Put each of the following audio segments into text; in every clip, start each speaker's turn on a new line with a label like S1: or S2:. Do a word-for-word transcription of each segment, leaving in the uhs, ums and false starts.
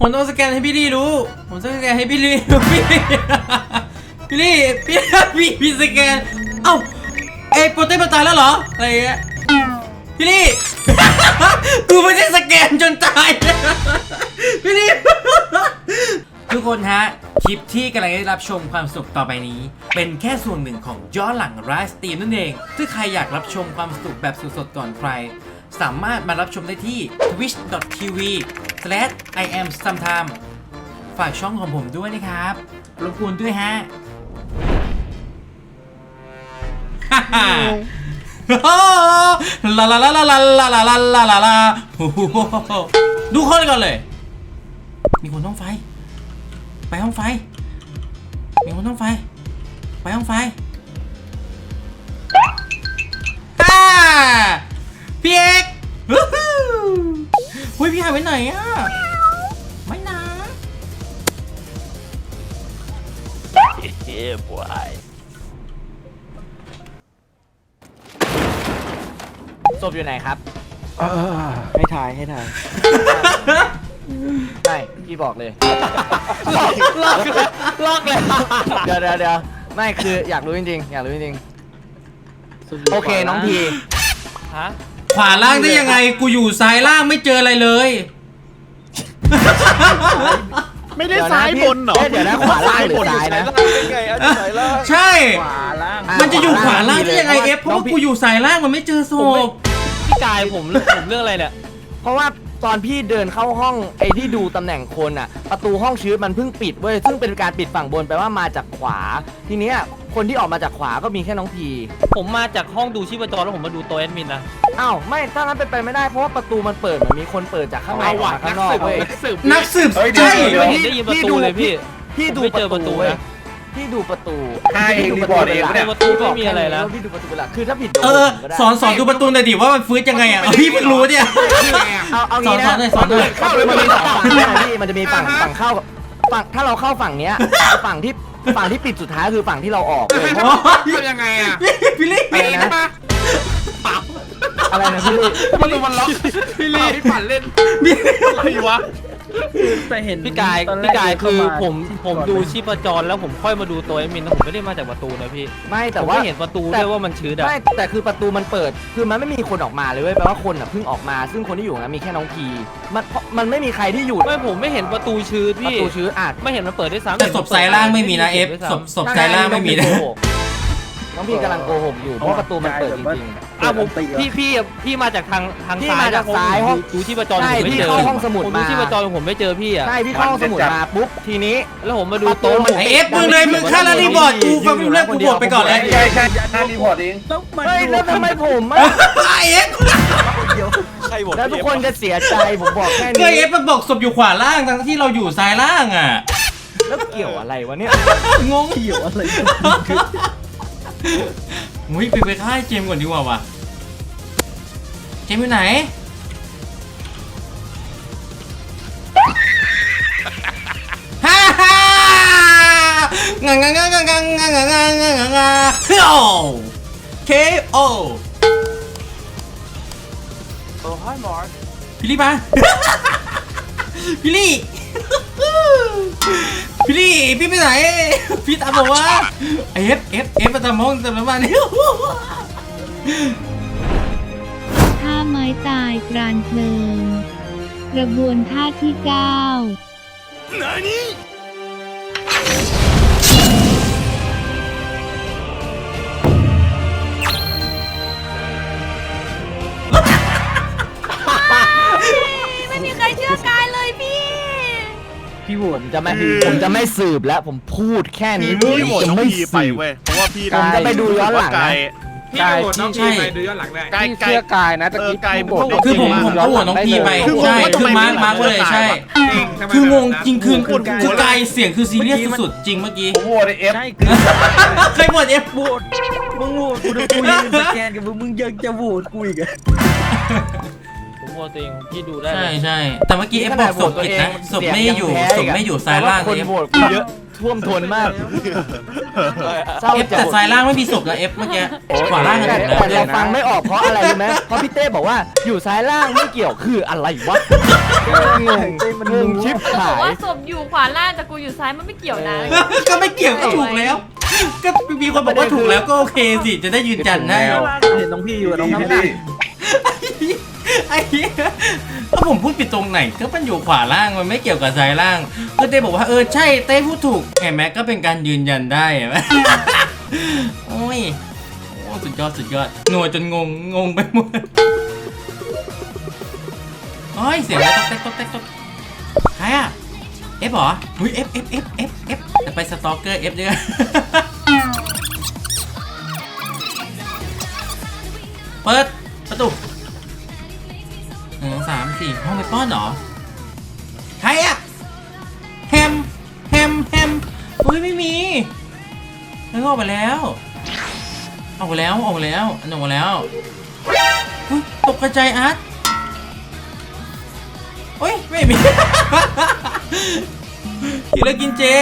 S1: ผมต้องสแกนให้พี่ลี่รู้ผมต้องสแกนให้พี่ลี่พี่พี่ลี่พี่พี่พี่สแกนเอ้าไอ้โปรเต้มันตายแล้วเหรออะไรเงี้ยพี่ลี่กูไม่ได้สแกนจนตายพี่ลี่ทุกคนฮะคลิปที่กำลังได้รับชมความสุขต่อไปนี้เป็นแค่ส่วนหนึ่งของย้อนหลังไลฟ์สตรีมนั่นเองถ้าใครอยากรับชมความสนุกแบบสดๆก่อนใครสามารถมารับชมได้ที่ ทวิช ดอท ที วี สแลช ไอ แอม ซัมไทม์ ฝากช่องของผมด้วยนะครับรบกวนด้วยฮะลาลาลาลาลาลาลาลาลาลาลาดูคนก่อนเลยมีคนต้องไฟไปห้องไฟมีคนต้องไฟไปห้องไฟฮ่าพี่เอกเฮ้ยพี่หายไปไหนอ่ะไม่นะ
S2: เฮ้ยบอยศพอยู่ไหนครับให้ถ่ายให้ถ่ายไม่พี่บอกเลยลอกลอกเลยลอกเลยเดี๋ยวเดี๋ยวเดี๋ยวไม่คืออยากรู้จริงๆอยากรู้จริงๆโอเคน้องพีฮะ
S1: ขวาล่างได้ยังไงกูอยู่ซ้ายล่างไม่เจออะไรเลย
S3: ไม่ได้ซ้ายบนเหรอ
S2: เดี๋ยวนะขวาล่างหรือซ้ายนะ
S1: ใช่มันจะอยู่ขวาล่างได้ยังไงเอฟเพราะว่ากูอยู่ซ้ายล่างมันไม่เจอศพ
S4: พี่กายผมผมเรื่องอะไรเนี่ย
S2: เพราะว่าตอนพี่เดินเข้าห้องไอ้ที่ดูตำแหน่งคนอ่ะประตูห้องชื้นมันเพิ่งปิดเว้ยซึ่งเป็นการปิดฝั่งบนแปลว่ามาจากขวาทีเนี้ยคนที่ออกมาจากขวาก็มีแค่น้องพี
S4: ผมมาจากห้องดูชีพจรแล้วผมมาดูตัวแอดมินนะ
S2: อ้าวไม่ถ้านั้นเป็นไปไม่ได้เพราะว่าประตูมันเปิดมันมีคนเปิดจากข้างในออกมาข้างนอกเว้ย
S1: นักสืบใช่
S4: ได้ยินประตูเลยพี่
S2: พี่ดูประตูนะพี่ดูประตู
S3: พี่ดูประตูเอง
S4: เนี่ยประตูไม่มีอะไรแล้ว
S2: พี่ดูประตูหลักคือถ้าผิด
S1: เออสอนสอนดูประตูหน่อยดิว่ามันฟื้นยังไงอ่ะพี่เพิ่งรู้เนี่ย
S2: เอาเอางี้นะ
S1: สอนหน่อยสอนหน่อย
S2: มันมีสองฝั่งพี่มันจะมีฝั่งฝั่งเข้าฝั่งถ้าเราเข้าฝั่งเนี้ยฝั่งที่ฝั่งที่ปิดสุดท้ายคือฝั่งที่เราออกเลย
S3: ทำยังไงอ่ะ
S1: พี่ลี่
S2: อะไรนะอะไรนะพี่ลี่
S3: มันดูมันล็อกพี่ลี่พี่ปั่นเล่นอะไรวะ
S4: แต่เห็นพี่กายพี่กายคือผมผมดูชีพจรแล้วผมค่อยมาดูตัวแอดมินผมไม่ได้มาจากประตูนะพี่
S2: ไม่แต่ว่า
S4: เห็นประตูด้วยว่ามันชื้นอะ
S2: ไม่แต่คือประตูมันเปิดคือมันไม่มีคนออกมาเลยเว้ยแปลว่าคนอ่ะเพิ่งออกมาซึ่งคนที่อยู่นะมีแค่น้องพีมันมันไม่มีใครที่อยู่
S4: ไม่ผมไม่เห็นประตูชื้นพี่
S2: ประตูชื้นอาจ
S4: ไม่เห็นมันเปิดได้ซ้ำ
S1: แต่ศพซ้ายล่างไม่มีนะเอฟศพศพซ้ายล่างไม่มีนะ
S2: น้องพี่กำลังโกหกอยู่เพราะประตูมันเปิดจริง
S4: ๆอ่ะผมพี่พี่พี่มาจากทางทางซ้าย
S2: มาจากซ้ายห้อง
S4: ดูที่ประจรผมไม่เจอ
S2: ห้องสมุด
S4: มาดูที่ประจรผมไม่เจอพี่อ่ะ
S2: ใช่พี่เข้าห้องสมุดมาปุ๊บทีนี้
S4: แล้วผมมาดูโต๊ะ
S1: ไอเอฟมึงเลยมึงฆ่าแล้วรีบอร์ดกูฟังมึงเลิกกูบวกไปก่อนเลย
S3: ใช่ใช่ฆ่ารีพอร์ตเอง
S2: เฮ้ยแล้วทำไมผมอ่ะ
S1: ไอเอฟ
S2: แล้วทุกคนจะเสียใจผมบอกแค่นี้
S1: ก็เอฟมันบอกศพอยู่ขวาล่างทั้งที่เราอยู่ซ้ายล่างอ่ะ
S2: แล้วเกี่ยวอะไรวะเนี่ย
S1: งง
S2: เกี่ยวอะไร
S1: มุ้ยไปไปฆ่าเจมก่อนดีกว่าวะเจมอยู่ไหนฮ่าฮ่างางางางางางางางางางางาเคโอเคโอ
S3: โอ้ hi Mark
S1: พี่ลี่มาพี่ลี่พี่ลี่พี่ไปไหนพี่ตามบอกว่าเอฟเอฟเอฟมาตามห้องตามน้ำมันนี่
S5: ท่าไม้ตายกรานเพลิงกระบวนท่าที่เก้า
S6: ไม่มีใครเชื่อกายเลยพี่
S2: พี่ผมจะไม่ผมจะไม่สืบแล้วผมพูดแค่นี้
S3: พี่จะไม่สืบเว้ยเพราะว่าพี่
S2: ผมจะไปดูย้อนหลัง
S3: พี่โหวตน้องพีไปดูย้อนหลังได้
S2: ไก่เชื่อกายนะตะกี้
S3: ไก่
S1: คือผมผมก็โหวตน้องพีไปใช่คือมาร์คมาร์คเลยใช่คืองงจริงคือคือกายเสียงคือซีเรียสสุดๆจริงเมื่อกี้
S3: ผมโหวตเอฟ
S1: ใครโหวตเอฟโหวต
S2: มึงโหวตกูดูกูยืนสแกนกับมึงมึงยังจะโหวตกูอีก
S4: ผมโหวตเองพี่ดูได้
S1: ใช่ใช่แต่เมื่อกี้เอฟบอกศพผิดนะศพไม่อยู่ศพไม่อยู่ซ้ายล่าง
S2: คนโหวตกูเยอะท่วมทนมาก
S1: เอฟแต่ซ้ายล่างไม่มีศพนะเอฟเมื่อกี้ขวาล่างกันหมดแล้ว
S2: แต่เราฟังไม่ออกเพราะอะไรรู้ไหมเพราะพี่เต้บอกว่าอยู่ซ้ายล่างไม่เกี่ยวคืออะไรวะงงงงชิบ
S6: บอ
S2: หาก ย
S6: ว่าศพอยู่ขวาล่างแต่กูอยู่ซ้ายมันไม่เกี่ยวนะ
S1: ก็ไม่เกี่ยวก็ถูกแล้ว ก็มีคนบอกว่าถูกแล้วก็โอเคสิจะได้ยืนยันได้
S4: เห็นน้องพี่อยู่น้อง
S3: พี่
S4: พี่
S1: ไอ้เหี้ยถ้าผมพูดผิดตรงไหนก็มันอยู่ขวาล่างมันไม่เกี่ยวกับซ้ายล่างก็เต้บอกว่าเออใช่เต้พูดถูกเห็นไหมก็เป็นการยืนยันได้เห็นไหมโอ้ยโอ้สุดยอดสุดยอดหน่วยจนงงงงไปหมดโอ้ยเสียงอะไรต๊อกแต๊กต๊อกแต๊กต๊อกใครอะเอฟเหรอหุ้ยเอฟเอฟเอฟเอฟเอฟจะไปสตอกเกอร์เอฟด้วยเปิดประตูหนึ่งสามสี่ห้องไปป้อนเหรอใครอะแฮมแฮมแฮมอุ้ยไม่มีเฮ้ยออกไปแล้วออกไปแล้วออกไปแล้วอันออกมาแล้วอุ้ยตกกระจายอาร์ตโอ้ยไม่มี คิวเลอร์กินเจ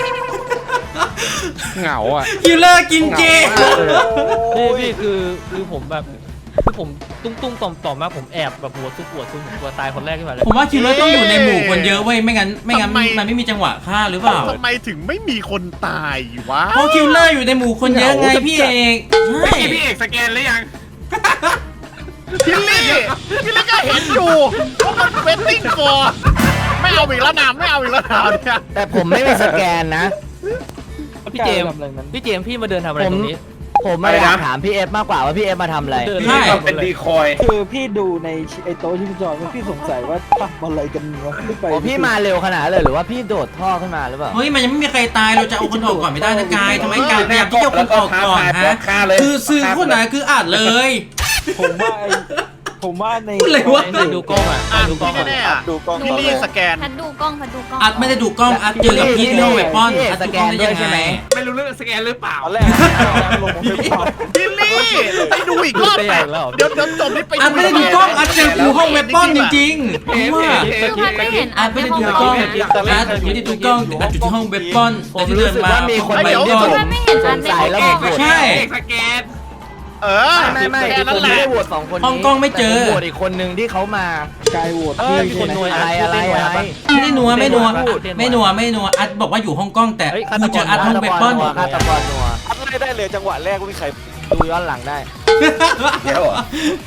S3: เหงาอ่ะ
S1: คิวเลอร์กินเจ
S4: พี่พี่คือคือผมแบบคือผมตุ้งตุ้งต่อมต่อมมากผมแอบแบบหัวซุกหัวซุกผมตัวตายคนแรกขึ้นมาเลย
S1: ผมว่าคิวเลอร์ต้องอยู่ในหมู่คนเยอะเว้ยไม่งั้นไม่งั้น
S7: ทำไม
S1: มันไม่มีจังหวะฆ่าหรือเปล่า
S7: ทำไมถึงไม่มีคนตายวะ
S1: เพราะคิวเลอร์อยู่ในหมู่คนเยอะไงพี่เอกใช่
S3: พี่พี่เอกสแกนหรือยัง
S7: พี่ลี่พี่ลี่ก็เห็นอยู่ว่ามันเวทติ้งฟอร์ไม่เอาอีกแล้วนามไม่เอาอีกแล้วนามเนี่ย
S2: แต่ผมไม่มีสแกนนะ
S4: พี่เจมส์พี่เจมส์พี่มาเดินทำอะไรตรงนี้
S2: ผมมาอยากถามพี่เอฟมากกว่าว่าพี่เอฟมาทำอะไร
S4: เดิน
S1: ใช่
S3: เป็นดีคอย
S8: คือพี่ดูในไอ้โต๊ะชิปจรพี่สงสัยว่าทำอะไรกันวะพี่ไป
S2: อ๋อพี่มาเร็วขนาดนั้นเลยหรือว่าพี่โดดท่อขึ้นมาหรือเปล่า
S1: เฮ้ยมันยังไม่มีใครตายเราจะเอาคนออกก่อนไม่ได้นะกายทำไมกายพยายามที่จะเอาคนออกก่อนฮะ
S3: ฆ่าเลย
S1: คือซื้อคนไหนคืออ่านเลย
S8: ผมว่าไอ้ผมว่าใน
S1: อะไรวะ
S4: ดูกล้องอ่ะ
S7: อ่ะ
S4: ดูกล้อง
S7: ที่แน่ๆอ่ะ
S8: ดูกล้อง
S7: พี่ลี่สแกน
S6: พัดดูกล้องพัดดูกล้อง
S1: อัดไม่ได้ดูกล้องอัดเจอกับพี่ที่ห้องเวปอนอัดดูกล้องได้ยังไง
S3: ไม่รู้เรื่องสแกนหรือเปล่า
S8: ตอนแรกลงมาเป็นภาพ
S7: พี่ลี่ไปดูอีกรอบ
S4: ได้
S7: แป
S4: ยังแล้ว
S7: เดี๋ยวเดี๋ยวจบนี่ไป
S1: อัดไม่ได้ดูกล้องอัดเจอกูห้องเวปอนจริงๆผมว่า
S6: คือพัดไม่เห็น
S1: อั
S6: อั
S1: ด
S6: ด
S1: ไม่
S6: ใน
S1: ได้
S6: ห้อง
S1: ดู
S6: ก
S1: ก
S6: ล้
S1: ล้
S6: อ
S1: อง งอัดไม่ได้ดูกล้องอัดอยู่ที่ห้องเวปอนแต่ที่เดินมา
S2: มีคน
S1: ไป
S2: มา
S1: ก่อน
S6: พัดไม่เห็นอัดใน
S2: ส
S6: ห้อง
S2: งสัย
S6: ก
S2: แล้ว
S6: ล้อง
S2: โหวต
S1: ใช่
S3: เอกสแกน
S7: เออ
S2: ไม่ไม่
S7: แค่
S2: ไม่
S7: นั้น
S2: ผม
S7: แห
S2: ไม่
S7: ละ
S2: ได้โหวตสองคนนี้
S1: ห้องกล้องไม่เจอ
S2: แต่ผมโหวตอีกคนนึงที่เขามาก
S8: ายโหวต
S4: เอ
S8: พี่
S4: อมีคนนวย
S2: อะไรอะไรอะไร
S1: ไม่ได้นัวไม่นัวไม่นัวไม่นัวอัดบอกว่าอยู่ห้องกล้องแต่กูเจออัดห้องเวปอน
S2: ฆาตกรนัว
S8: ไม่ได้เลยจังหวะแรกไม่มีใคร
S2: ดูย้อนหลังได้
S3: เดี๋ยวอ่ะ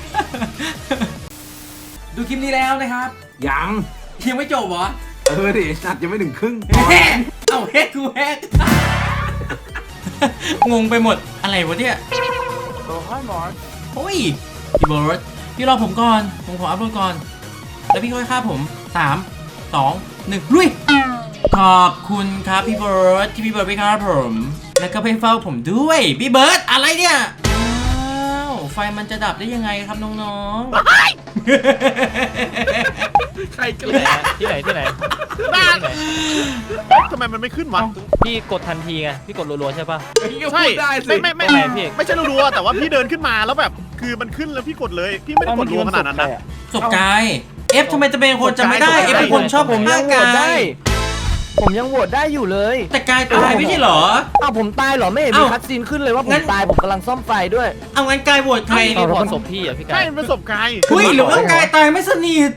S1: ดูคลิปนี้แล้วนะครับ
S3: ยัง
S1: ยังไม่จบเหรอ
S3: เออดินัดยังไม่ถึงครึ่ง
S1: แฮกเอาแฮกกูแฮกงงไปหมดอะไรวะเนี่ย
S8: โอ้ยหมอน
S1: โอ้ยพี่เบิร์ดพี่รอผมก่อนผมขออัพโหลดก่อนแล้วพี่ค่อยฆ่าผมสามสองหนึ่งลุยขอบคุณครับพี่เบิร์ดที่พี่เบิร์ดไปฆ่าผมแล้วก็ไปเฝ้าผมด้วยพี่เบิร์ดอะไรเนี่ยอ้าวไฟมันจะดับได้ยังไงครับน้องๆ
S3: ใครกัน
S4: ที่ไหนที่ไหนที่ไหน
S7: บ้า
S4: ที่ไหน
S7: ทำไมมันไม่ขึ้นวะ
S4: พี่กดทันทีไงพี่กดรัวๆใช่ป่ะ
S3: พี่ก็
S7: ใช่
S3: พูดได้สิ
S7: ไม่ไม่
S4: ทำไม
S7: ไม่
S4: พี่เอก
S7: ไม่ใช่รัวๆแต่ว่าพี่เดินขึ้นมาแล้วแบบคือมันขึ้นแล้วพี่กดเลย พี่ไม่ได้กดรัวขนาดนั้นนะ
S1: ศพกายเอฟทำไมจะเป็นคนจำไม่ได้เอฟเป็นคนชอบ
S2: ผมยั
S1: ฆ่าง
S2: โหวต
S1: กา
S2: ได้
S1: ย
S2: ผมยังโหวตได้อยู่เลย
S1: แต่กายตายไม่ใช่เหรอ
S2: อ้าวผมตายเหรอไม่เห็นมี
S1: เอ้า
S2: คัดซีนขึ้นเลยว่าผ
S1: งั้
S2: ม
S1: น
S2: ตายผมกำลังซ่อมไฟด้วย
S1: เอางั้นกายโหวตใคร
S4: ใครรีพอร์ตศพพี่อ่ะพี่กา
S7: ใช่
S4: ย
S7: มันเป็นศพกาย
S1: หุ้ยหรือว่ากายตายไม่สนิท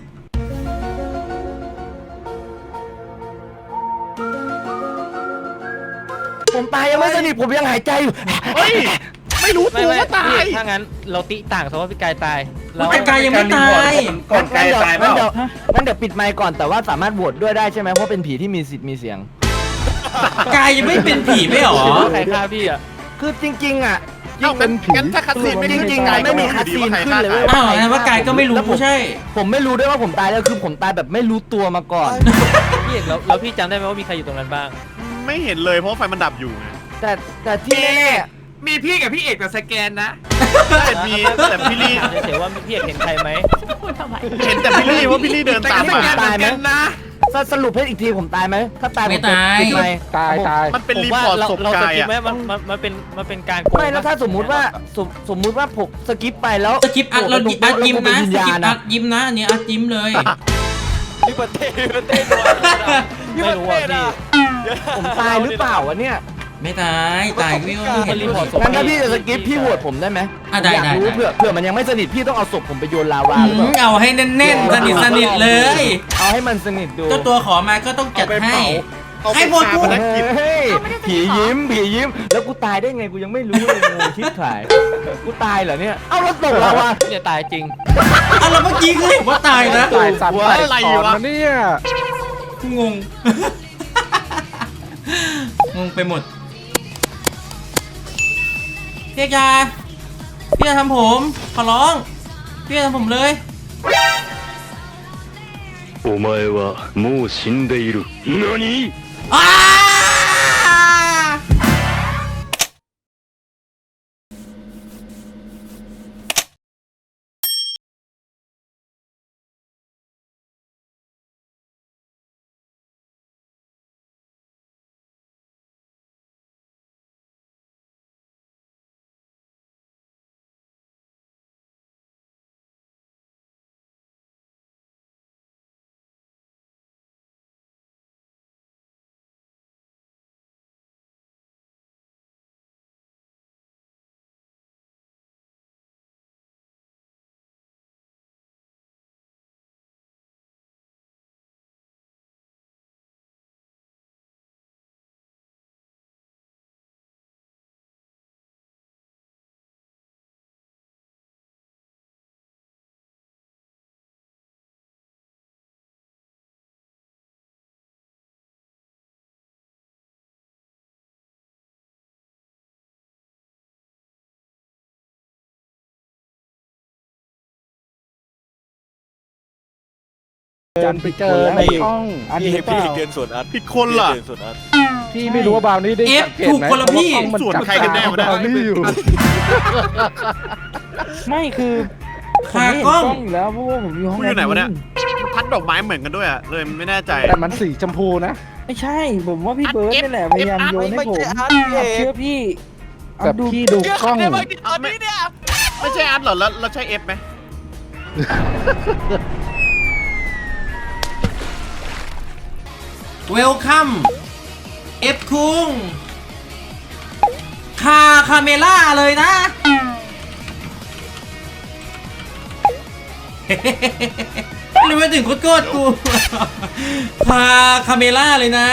S2: ผมตายยังไม่สนิทผมยังหายใจอยู่
S7: เฮ้ยไม่รู้
S4: ไม่
S7: ตัว
S4: ไม่
S7: ว่าตา
S4: พี่
S7: ย
S4: ถ้างั้นเราติต่างสมมติว่าพี่กายตายแล้ว
S1: แต่กายยังไม่ตาย
S3: ก่อนไกลตายเป
S2: งั้น
S3: ล่า
S2: เดี๋ยวงั้นเดี๋ยวปิดไมค์ก่อนแต่ว่าสามารถโหวตด้วยได้ใช่ไหมเพราะเป็นผีที่มีสิทธิ์มีเสียง
S1: กายยังไม่เป็นผีไม่หรอ
S4: ใครฆ่าพี่อ่ะ
S2: คือจริงๆอ่ะ
S7: เอ้างั้นงั้นถ้าคัดซีนไม่ขึ้น
S2: จริงๆ
S7: กาย
S2: ไม่
S7: ก็
S2: มี
S7: ไม่รู้
S2: คัด
S7: ดี
S2: ซีน
S7: ว่าใคร
S2: ขึ้น
S7: ฆ่า
S2: เลย
S7: กาย
S1: อ้าวงั้นว่ากายก็ไม่รู้
S2: แล้วผม
S1: ใช่
S2: ผมไม่รู้ด้วยว่าผมตายแล้วคือผมตายแบบไม่รู้ตัวมาก่อน
S4: พี่เอกแล้วแล้วพี่จำได้ไหมว่ามีใครอยู่ตรงนั้นบ้าง
S7: ไม่เห็นเลยเพราะว่าไฟมันดับอยู่ไง
S2: แต่แต่ที่แน่
S3: มีพี่กับพี่เอกแต่สแกนนะ
S7: แต่มีแต่พี่ลี่
S4: เฉยๆว่าพี่เอกเห็นใครไหม
S6: พูดทำไม
S7: เห็นแต่พี่ลี่ว่าพี่ลี่เดิน
S3: แต่
S7: ตาม
S3: ก็ส
S7: มา
S3: แกนเหมือนกันนะ
S2: ๆสรุปให้อีกทีผมตายไหมถ้าตายผ
S1: ไม่
S2: จะ
S1: ตาย
S2: ปิดไมค์
S8: ตายตาย
S7: มันเป็น
S4: ผม
S7: รี
S4: ว่า
S7: พอร์ต
S4: เรา
S7: ศพ
S4: เราส
S7: กาย
S4: กิป
S7: อ่ะ
S4: ไหมมันมันมันเป็นมันเป็นการโกง
S2: ไม่แล้วถ้าสมมุติว่าสมสมมุติว่าผมสกิปไปแล้ว
S1: สกิปอัดเราอัดยิ้มนะ
S2: วิญ
S1: ส
S2: ญา
S1: กิ
S2: ณ
S1: ปอั
S2: อะ
S1: ดยิ้มนะอันนี้อัดยิ้มเลย
S8: พี่ประเทศพี่ประเทศ
S4: ไม่รู้อ่ะพี่
S2: ผมตายหรือเปล่าวะเนี่ย
S1: ไม่ตายตายพี่ว่าไม่เห็น
S4: รีพอร์ตศพ
S2: งั้นถ้าพี่จะสกิปพี่โหวตผมได้ไหม
S1: อ่ะได้
S2: อยาก
S1: ได้
S2: รู้
S1: ได้
S2: เผื่อเผื่อมันยังไม่สนิทพี่ต้องเอาศพผมไปโยนลาวา
S1: อื
S2: หรือเป
S1: ม
S2: ล่า
S1: เอาให้แน่นๆสนิทสนิทเลย
S2: เอาให้มันสนิทดู
S1: เจ้าตัวขอมาก็ต้องจัดให้
S7: เอาไป
S1: ให้หมด
S7: พา
S1: กู
S7: พนักกิจ
S2: เฮ้ย
S6: เอาไม่ได้จะ
S2: ผี
S6: เหรอ
S2: ยิ้มผียิ้มแล้วกูตายได้ไงกูยังไม่รู้เลยงูชิบหายกูตายเหรอเนี่ยเอาแล้วตกลาวา
S4: เนี่ยตายจริง
S1: เอาแล้วเมื่อกี้คือเห็นว่าตายนะ
S8: ตายสัตว์
S7: หัว
S8: ตาย
S7: อะไร
S8: ก่อน
S7: วะ
S8: นะเนี่ย
S1: งง งงไปหมดพี่ยาพี่จะทำผมขอร้องพี่จะทำผมเลย
S9: お前はもう死んでいる。何？
S1: อ้า
S8: จันไปเจอในห้องอันนี้เปล่า
S9: เดินสวนอัด
S7: ผิดคนล่ะ
S9: เดินสวนอัด
S8: พี่ไม่รู้ว่าบาวนี้ได้
S1: เอฟ
S8: สังเกต
S1: ถูก
S8: ไหม
S1: คนละพี่
S8: เพราะว่า
S7: ส่วนใครกันแน่วะเนี่ย
S8: บาวนี่อยู่ ไม่คือผมไม่เห็น
S1: ขากล้อง
S8: กล้องอยู่แล้วเพราะว่าผมอยู่ห้อง
S7: กูอยู่ไหนวะเนี่ย
S8: แอดมิ
S7: พัดดอกไม้เหมือนกันด้วยอะเลยไม่แน่ใจ
S8: แต่มันสีชมพูนะ ไม่ใช่ ผมว่าพี่เบิร์ดนี่แหละพยายามโยนให้ผมเชื่อพี่แต่พี่ดูกล้อง
S7: ไม่ใช่อัดเหรอแล้วเราใช่เอฟไหม
S1: เวลคัมเอฟคุงคาคาเมล่าเลยนะ หรือว่าถึงโคตรโคตรกูคาคาเมล่าเลยนะ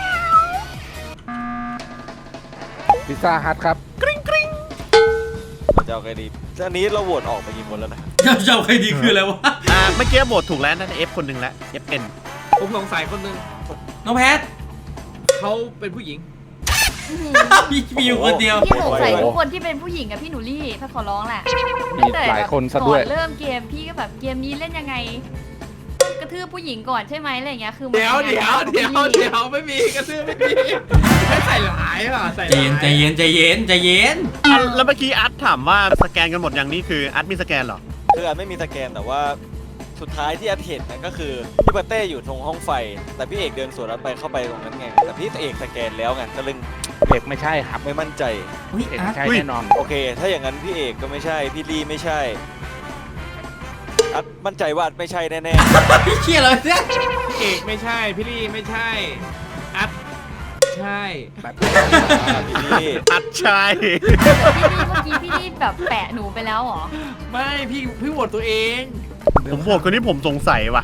S8: พิซซ่าฮัทครับ
S9: จะเอาไงดีอันนี้เราโหวตออกไปกี่คนแล้วนะ
S1: เจ้าเจ้าใครดีคืออะไรวะ
S7: อ่าเมื่อกี้โหวตถูกแล้วนั่นเอฟคนหนึ่งแล้วเอฟเอ็น
S3: ผมสงสัยคนหนึง
S1: น้องแพท
S3: เขาเป็นผู้หญิง
S1: มีมีอยู่คนเดียว
S6: พี่สงสัยทุกคนที่เป็นผู้หญิงกับพี่หนูลี่ถ้าขอร้องแหละ
S8: มีหลายคนซะด้วย
S6: ก่อนเริ่มเกมพี่ก็แบบเกมนี้เล่นยังไง กระทืบผู้หญิงก่อนใช่ไหมอะไรอย่างเงี้ยคือมัน
S3: เดี๋ยว
S6: ยังไง
S3: เดี๋ยว
S6: กับ
S3: เดี๋ยว
S6: พี่ลี่
S3: เดี๋ยวไม่มีกระซื้อไม่มีไม่ใส่หลายอ่ะใส่ห
S1: ใจ
S3: ลาย
S1: เย็นใจเย็นใจเย็นใจเย็น
S7: อ่ะแล้วเมื่อกี้อัดถามว่าสแกนกันหมดอย่างนี้คืออัดมีสแกนเหรอ
S9: คืออัดไม่มีสแกนแต่ว่าสุดท้ายที่อัดเห็นนะก็คือพี่ปาเต้อยู่ตรงห้องไฟ แต่พี่เอกเดินสวนอัดไปเข้าไปตรงนั้นไงแต่พี่เอกสแกนแล้วไงก็เลย
S8: เด็กไม่ใช่ครับ
S9: ไม่มั่นใจ
S1: อุ้ย
S8: เด็ก
S1: อาร์
S8: ไม่
S1: ต
S8: ใช่
S7: อุ้ย
S8: แน่นอน
S9: โอเค ถ้าอย่างนั้นพี่เอกก็ไม่ใช่พี่ลี่ไม่ใช่อัดมั่นใจว่าอัดไม่ใช่แน่
S1: พี่เชี่ยเลยเนี่ย
S3: พี่เอกไม่ใช่พี่ลี่ไม่ใช่อัดใช่
S9: ๆพี่ลี่
S7: อัดใช่
S6: พี่ลี่เมื่อกี้พี่ลี่แบบแปะหนูไปแล้วเหรอ
S3: ไม่พี่พี่โหวตตัวเอง
S7: ผมโหวตคนที่ผมสงสัยว่ะ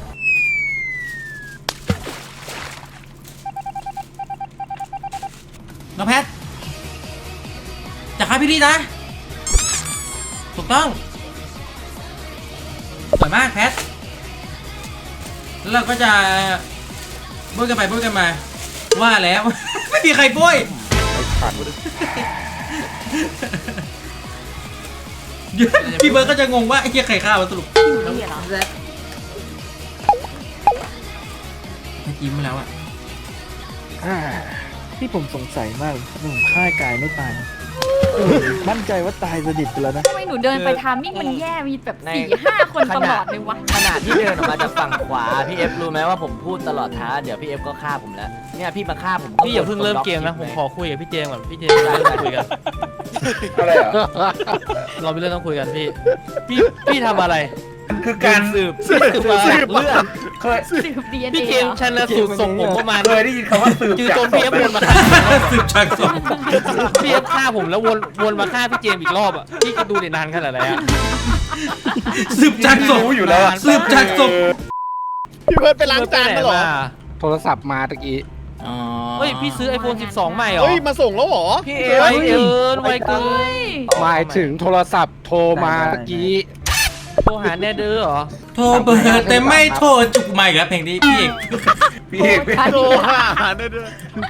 S1: น้องแพทจะฆ่าพี่ลี่นะ ถูกต้องสวยมากแพทแล้วเราก็จะบุ้ยกันไปบุ้ยกันมา ว่าแล้ว ไม่มีใครบุ้ย เดี๋ยวพี่เบิร์ดก็จะงงว่าไอ้เหี้ยใครฆ่าวะสรุป
S6: พี่หนูลี่เหรอ
S1: แพทยิ้มมาแล้วอะ
S8: อ่าที่ผมสงสัยมากผมฆ่ากายไม่ตายเออมั่นใจว่าตายสนิทไปแล้วนะ
S6: ทำไมหนูเดินไปทามมิ่งมันแย่มีแบบสี่ห้าคนตลอดเลยวะ
S2: ขนาดที่เดินออกมาจากฝั่งขวาพี่เอฟรู้ไหมว่าผมพูดตลอดท้างเดี๋ยวพี่เอฟก็ฆ่าผมแล้วเนี่ยพี่มาฆ่าผม
S4: พี่อย่าเพิ่งเริ่มเกมนะผมขอคุยกับพี่เจมส์ก่อนพี่เจมส์เริ่มคุยกัน
S8: อะไรอ่ะ
S4: เราไปเรื่องต้องคุยกันพี่ พี่พี่ทำอะไร
S3: คือการสืบสืบ
S7: สืบ
S3: เลือด
S7: เคย
S6: สืบดีเอ็นเอ
S4: พี่เจมส์ชันสูตรส่งผมประมาณ
S3: เคยได้ยินคำว่าสืบ
S4: จือ
S3: จาก
S4: จน
S3: ศ
S4: พี่
S3: พ
S4: เอฟ
S3: ไหม
S4: วนมาฆ่า
S1: สืบจากศพ
S4: พี่เอฟฆ่าผมแล้ววนวนมาฆ่าพี่เจมส์อีกรอบอ่ะพี่จะดูเด่นนานขนาดไหนอ่ะ
S1: สืบจากศพ
S3: รู้อยู่แล้วอะ
S1: สืบจากศพ
S7: พี่เบิร์ดไปล้างจานมาเหรอ
S8: โทรศัพท์มาตะกี้
S1: อ๋อ
S4: เฮ้ยพี่ซื้อ ไอโฟน สิบสอง ใหม่เหรอ
S7: เฮ้ยมาส่งแล้วเหรอ
S3: พี่เอ
S4: ไว
S7: ฮ้ย
S4: เกินไวเกิน
S6: เฮ้ย
S8: หมายถึงโทรศัพท์โทรมาตะกี้
S4: โทรหาแน่เด้อเหรอ
S1: โทรเบอร์แต่ไม่โทรจุกมาอีกแล้วเพลงนี้พี่เอก
S3: พี่เอก
S7: โทรหาได้ด้วย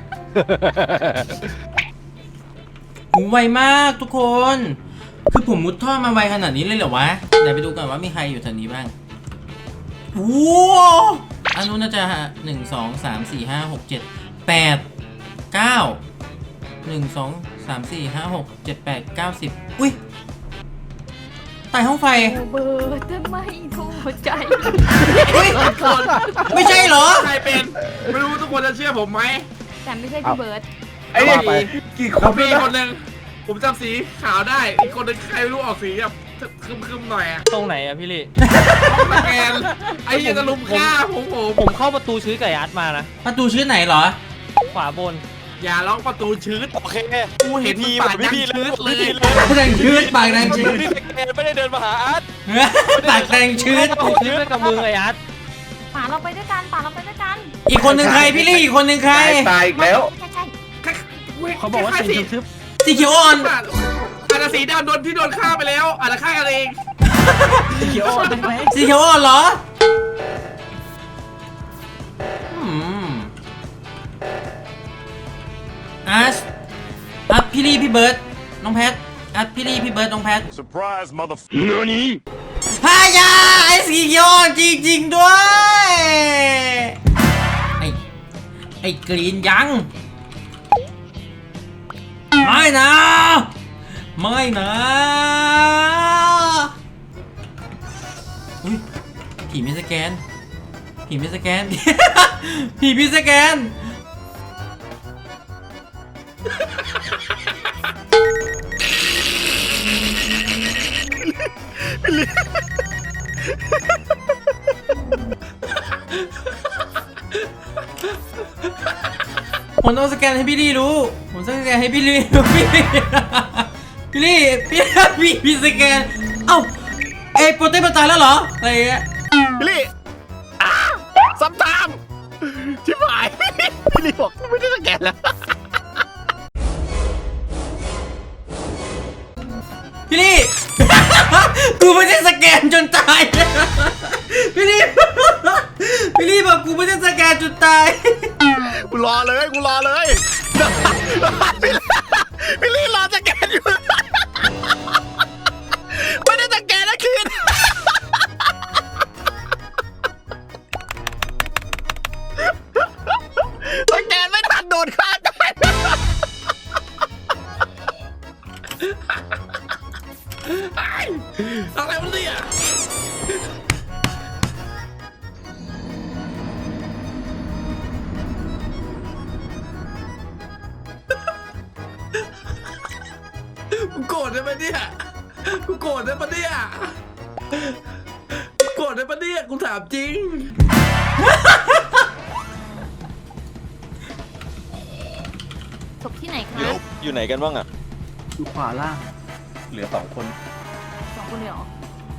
S1: หูไวมากทุกคน คือผมมุดท่อมาไวขนาดนี้เลยเหรอวะเดี๋ยวไปดูกันว่ามีใครอยู่แถวนี้บ้างโอ้อันนู้นน่าจะหนึ่งสองสามสี่ห้าหกเจ็ดแปดเก้าหนึ่งสองสามสี่ห้าหกเจ็ดแปดเก้าสิบอุ้ยใต้ห้องไฟ
S6: โอเบอร์จะไม่โทรใจ
S1: อุ้ยไม่ใช่เหรอ
S3: ใครเป็นไม่รู้ทุกคนจะเชื่อผมไหม
S6: แต่ไม่ใช่พี่เบิร์ด
S3: ไอ้เนี่ย
S8: ไป
S3: กี่คนมีคนหนึ่งผมจำสีขาวได้อีกคนหนึงใครไม่รู้ออกสีแบบคึมๆหน่อยอะ
S4: ตรงไหนอะพี่ลี่
S3: สแกนไอ้เหี้ยังจะลุมฆ่าผมผม
S4: ผมเข้าประตูชื้อไก่ยัดมานะ
S1: ประตูชื่อไหนเหรอ
S4: ขวาบน
S3: อย่าล็อกประตูชืด
S9: โอเค
S3: กูเห็น
S9: พี
S3: มัน
S9: แบ
S3: ปา
S9: บ
S3: ด
S9: พี่
S3: ยัง
S9: พีเลย
S3: ชืดเลย
S1: แดงชืดปากแดงชืด
S9: พี่สแกนไม่ได้เดินมาหาอาร์ต
S1: ปากแดงชืด
S4: ผมชื้อด้วยกับมือไอ้ยัด
S6: ป่าเราไปด้วยกันป่าเราไปด้วยกัน
S1: อีกคนหนึ่งใครพี่ลี่อีกคนหนึ่งใคร
S3: ตายอีกแล้ว
S6: ใช่ใช่
S8: เขาบอกว่าสีทึบ
S1: สีเขียวอ่อน
S3: อาจจะสีดำโดนที่โดนฆ่าไปแล้วอาจจะฆ่ากันเอง
S8: ๆเขียวอ่อนได้ไหม
S1: สีเขียวอ่อนเหรออืมอาร์ตอาร์ตพี่ลี่พี่เบิร์ดน้องแพทอาร์ตพี่ลี่พี่เบิร์ดน้องแพท
S10: Surprise, mother. Nani?
S1: ฮายาไอ้สีเขียวอ่อนจริงๆด้วยไอ้ไอ้กรีนยังไม่นะ ไม่นะอุ้ยผีไม่สแกนผีไม่สแกน ผีไม่สแกน ผมต้องสแกนให้พี่ลี่รู้ ผมต้องสแกนให้พี่ลี่รู้ พี่ลี่พี่ลี่พี่พี่พี่สแกน เอ้าเอ้โปรเต้มันตายแล้วเหรอ อะไรอย่างเงี้ย
S7: พี่ลี่อ้าซ้ำตามชิบหาย พี่ลี่บอกไม่ได้สแกนแล้ว
S1: พี่ลี่ กูไม่ได้สแกนจนตาย พี่ลี่ พี่ลี่บอกกูไม่ได้สแกนจนตาย
S7: กูรอเลยกูรอเลย พี่ลี่รอสแกนอยู่ ไม่ได้สแกนนะคืน สแกนไม่ทันโดนฆ่าตาย
S3: อะไรวะเนี่ยกูโกรธได้ปะเนี่ยกูโกรธได้ปะเนี่ยกูโกรธได้ปะเนี่ยกูถามจริง
S6: ศพที่ไหนคะ
S9: อยู่ไหนกันบ้างอ่ะ
S8: อยู่ขวาล่าง
S3: เหลือสองคน
S6: สองคนเลยเหรอ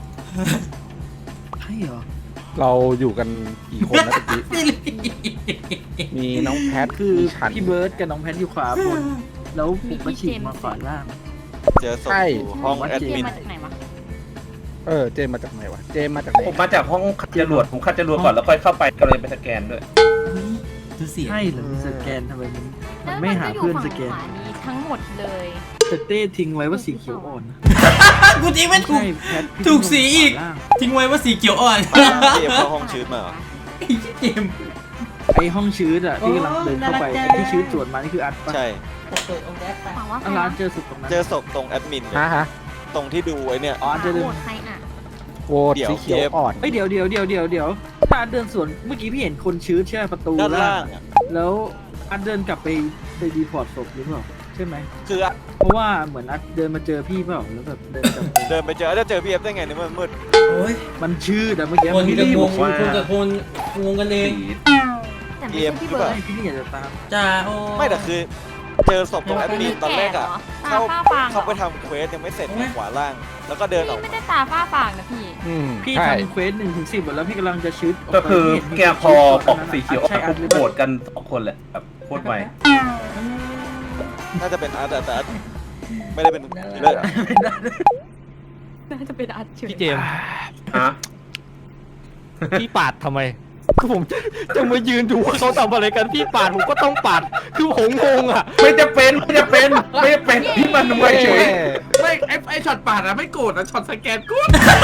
S8: ใช่เหรอ
S11: เราอยู่กันกี่คนนะตะกี้
S1: พี่ลี่
S11: มีน้องแพท
S8: คือ
S11: มีฉัน
S8: พี่เบิร์ดกับน้องแพทอยู่ขวาบน แล้วผมก็ฉีกมาขวาล่าง
S9: เจอศพอยู่ห้องแอด
S6: เจ
S9: มิ
S6: ม
S9: น
S6: มาจากไหนวะ
S11: เออ เจมมาจากไหนวะ เจมมาจากไหน
S3: ผมมาจากห้องคัดจรวดผมคัดจรวดก่อนแล้วค่อยเข้าไปก็เลยไปสแกนด้วย
S1: ดูเสียง
S8: ใช่เหรอสแกนทำไมมันมั
S6: แล้
S8: น
S6: ว
S8: ไม่หา
S6: ก็
S8: เพื่อน
S6: ยู่
S8: สแกน
S6: ฝั่งขวานี้ทั้งหมดเลย
S8: แต่เต้ทิ้งไว้ว่าสีเขียวอ่อนนะ
S1: กูทิ้งไม่ถูก
S8: ใช่แพทพี่
S1: ถูกสีอีก
S8: ขวาล่าง
S1: ทิ้งไว้ว่าสีเขียวอ่อน
S9: พี่เอฟเข้าห้องชืดมาเหรอ
S1: ไอ้เกม
S8: ไอห้องชื้นอ่ะที่กำลังเดินเข้าไป
S1: โอ้น่ารักจัง
S8: ไอ้ที่ชื้นสวนมานี่คืออัดปะ
S9: ใช่
S6: ถามว่าใคร
S8: อันร้าน
S6: นะ
S8: เจอสุดตรงนั้น
S9: เจอศพตรงแอดมินเลย
S11: ฮะฮะ
S9: ตรงที่ดูไอ้เนี่ย
S8: อ๋อเจอเดิน
S6: โหวตใครน่ะ
S11: โหวต
S9: เดี๋ยว
S11: สีเขียว
S9: เจฟ
S11: อ่อน
S8: เอ้ยเดี๋ยวเดี๋ยวเดี๋ยวเดี๋ยวเดี๋ยวถ้าอัดเดินสวนเมื่อกี้พี่เห็นคนชื้นใช่ไหมประตู
S9: ด้านล่างอะ
S8: แล้วอัดเดินกลับไปไปดีพอร์ตศพหรือเปล่าใช่ช่ไหม
S9: คืออะ
S8: เพราะว่าเหมือนอัดเดินมาเจอพี่เปล่าแล้วแบบเดินจับ
S9: เดินไปเจอจะเจอพี่เอฟได้ไงเนี่ยมันมืด
S1: โอ้ย
S8: มันชื่อแต่เมื่อกี้
S1: คน
S8: พี่
S1: กับ
S8: ลี่
S1: ค
S8: บ
S1: น
S8: อกว่า
S1: คนกับคนงงกันเอง
S6: แต่ไม่ใช่พี่เบิร์ด
S8: ให้พี่ลี่อยากจะตาม
S1: จ้าโอ้
S9: ไม่แต่คือเจอศพตรงแอดมินตอนแรกอะ
S6: ตา
S9: เข้า
S6: ฝ้าฟางเหร
S9: เข้า
S6: อ
S9: ไปทำเควสยังไม่เสร็จในขวาล่าง แล้วก็เดินออก
S6: ไม่
S9: มา
S6: ได้ตาฝ้าฟางนะพี่
S11: อืม
S8: พี่
S11: ใช่
S8: ทำเควสหนึ่งถึงสิบแล้วพี่กำลังจะชืด
S12: ก็คือแกพอปกสี
S8: สี
S12: เขียว
S8: ใช่อัดหรือ
S12: โห
S8: เป
S12: ว
S8: ล่า
S12: ตกันสองคนแหละแบบโคตรไว
S9: น่าจะเป็นอาร์ตแต่แต่อาร์ตไม่ได้เป็นคิลเลอร์อะ
S6: น่าจะเป็นอัดเฉย
S4: พี่เจมส์
S12: ฮะ
S4: พี่ปาดทำไมคือผมจะมายืนดูว่าเขาทำอะไรกันพี่ปาดผมก็ต้องปาดคือผมงงอ่ะ
S12: ไม่จะเป็นไม่จะเป็นไม่จะเป็นพี่มันไวเฉย
S3: ไม่ไอ้ไอ้ช็อตปาดอะไม่โกรธนะช็อตสแกนกู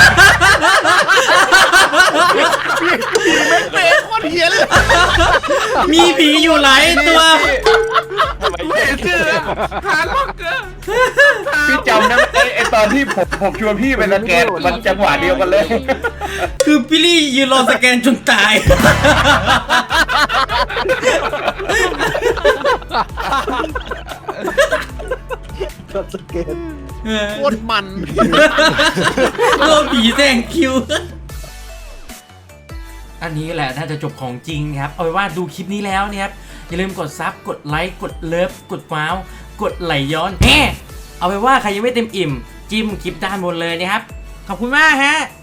S7: เป๊ะโคตรเฮียเลย
S1: มีผีอยู่หลายตัว
S9: ทำไม
S3: ไม่เห็นชื่ออะหาล็อกเกอร์
S12: พี่จำนะไอ้ไอ้ตอนที่ผมผมชวนพี่ไปสแกนมันจังหวะเดียวกันเลย
S1: คือพี่ลี่ยืนรอสแกนจนตาย
S8: ก็สเกต
S7: โคตรมัน
S1: โลผีแซงคิว อันนี้แหละน่าจะจบของจริงครับ เอาไว้ว่าดูคลิปนี้แล้วเนี่ยครับ อย่าลืมกดซับ กดไลค์ กดเลิฟ กดว้าว กดไหลย้อนแฮเอาไว้ว่าใครยังไม่เต็มอิ่ม จิ้มคลิปด้านบนเลยนะครับ ขอบคุณมากฮะ